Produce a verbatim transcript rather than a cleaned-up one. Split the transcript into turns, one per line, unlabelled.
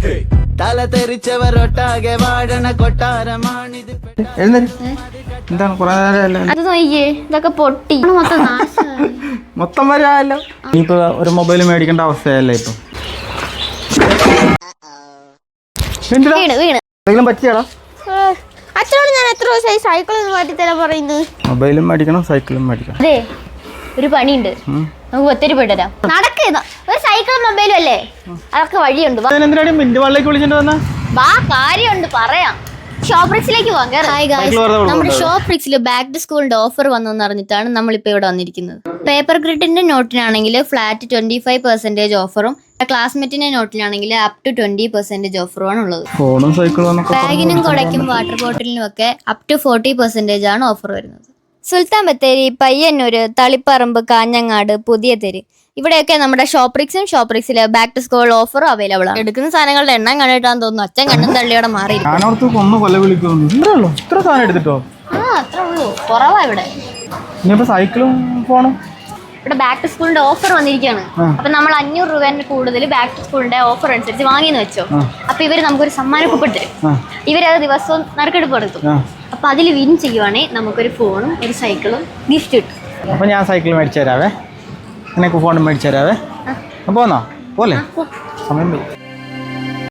തല തെറിച്ചവരൊട്ടാകെ വാഴണ കൊട്ടാരമാണിത്.
എന്താണ് കുറെ നേരം
അത് നോക്കിയേ, ഇതൊക്കെ പൊട്ടി മൊത്തം നാശമായി.
മൊത്തം വരാല്ലോ. ഇനിയിപ്പോ ഒരു മൊബൈൽ മേടിക്കേണ്ട അവസ്ഥയല്ലേ ഇപ്പൊ.
വീണ് വീണ്
എന്തെങ്കിലും പറ്റിയാടാ?
അച്ഛനോട് ഞാൻ എത്ര ദിവസമായി സൈക്കിൾ ഒന്ന് മാറ്റി തരാൻ പറയുന്നത്.
മൊബൈലും മേടിക്കണം സൈക്കിളും മേടിക്കണം.
അതെ, ഒരു പണിയുണ്ട്, നമുക്ക് ഒത്തിരി പെട്ടുതരാം. നടക്കുന്ന ഒരു സൈക്കിളും മൊബൈലും അല്ലേ, അതൊക്കെ വഴിയുണ്ട്.
എന്തിനാണ് മിന്റ് വള്ളിലേക്ക് വിളിച്ചിട്ട് വന്ന?
വാ, കാര്യമുണ്ട് പറയാം. ഷോപ്രിക്സിലേക്ക് പോകാം. ഹായ് ഗായ്സ്, നമ്മുടെ ഷോപ്രിക്സിൽ ബാക്ക് ടു സ്കൂളിന്റെ ഓഫർ വന്നെന്ന് അറിഞ്ഞിട്ടാണ് നമ്മളിപ്പോൾ ഇവിടെ വന്നിരിക്കുന്നത്. പേപ്പർ ഗ്രിഡിന്റെ നോട്ടിനാണെങ്കിൽ ഫ്ലാറ്റ് ട്വന്റി ഫൈവ് പെർസെന്റേജ് ഓഫറും ക്ലാസ്മേറ്റിന്റെ നോട്ടിലാണെങ്കിൽ അപ് ടു ട്വന്റി പെർസെന്റേജ് ഓഫറുമാണ് ഉള്ളത്.
ഫോണും സൈക്കിളും
ബാഗിനും കുടയ്ക്കും വാട്ടർ ബോട്ടിലിനും ഒക്കെ അപ് ടു ഫോർട്ടി പെർസെന്റേജ് ആണ് ഓഫർ വരുന്നത്. സുൽത്താൻ ബത്തേരി, പയ്യന്നൂര്, തളിപ്പറമ്പ്, കാഞ്ഞങ്ങാട്, പുതിയ തെര്, ഇവിടെയൊക്കെ നമ്മുടെ ഷോപ്രിക്സും ഷോപ്രിക്സില് back to school offer available ആണ്. എടുക്കുന്ന സാധനങ്ങളുടെ എണ്ണം കണ്ടിട്ടാന്ന് തോന്നുന്നു അച്ഛൻ കണ്ണും തള്ളിയോടെ മാറി.
ആ
അത്ര ഉള്ളൂ, കുറവാ ഇവിടെ.
സൈക്കിളും ഫോണും
ഇവിടെ ബാക്ക് ടു സ്കൂളിന്റെ ഓഫർ വന്നിരിക്കുകയാണ്. അപ്പൊ നമ്മൾ അഞ്ഞൂറ് രൂപേന്റെ കൂടുതൽ ബാക്ക് ടു സ്കൂളിന്റെ ഓഫർ അനുസരിച്ച് വാങ്ങിയെന്ന് വെച്ചോ, അപ്പൊ ഇവര് നമുക്കൊരു സമ്മാന കൂപ്പൺ തരും. ഇവരത് ദിവസവും നറുക്കെടുപ്പ് നടത്തും. അപ്പൊ അതിൽ വിൻ ചെയ്യുവാണെങ്കിൽ നമുക്കൊരു ഫോണും ഒരു സൈക്കിളും ഗിഫ്റ്റ് കിട്ടും.
അപ്പൊ ഞാൻ സൈക്കിൾ മേടിച്ചു തരാവേ, നിനക്ക് ഫോണും മേടിച്ചു തരാവേ. പോന്നോ പോലെ സമയം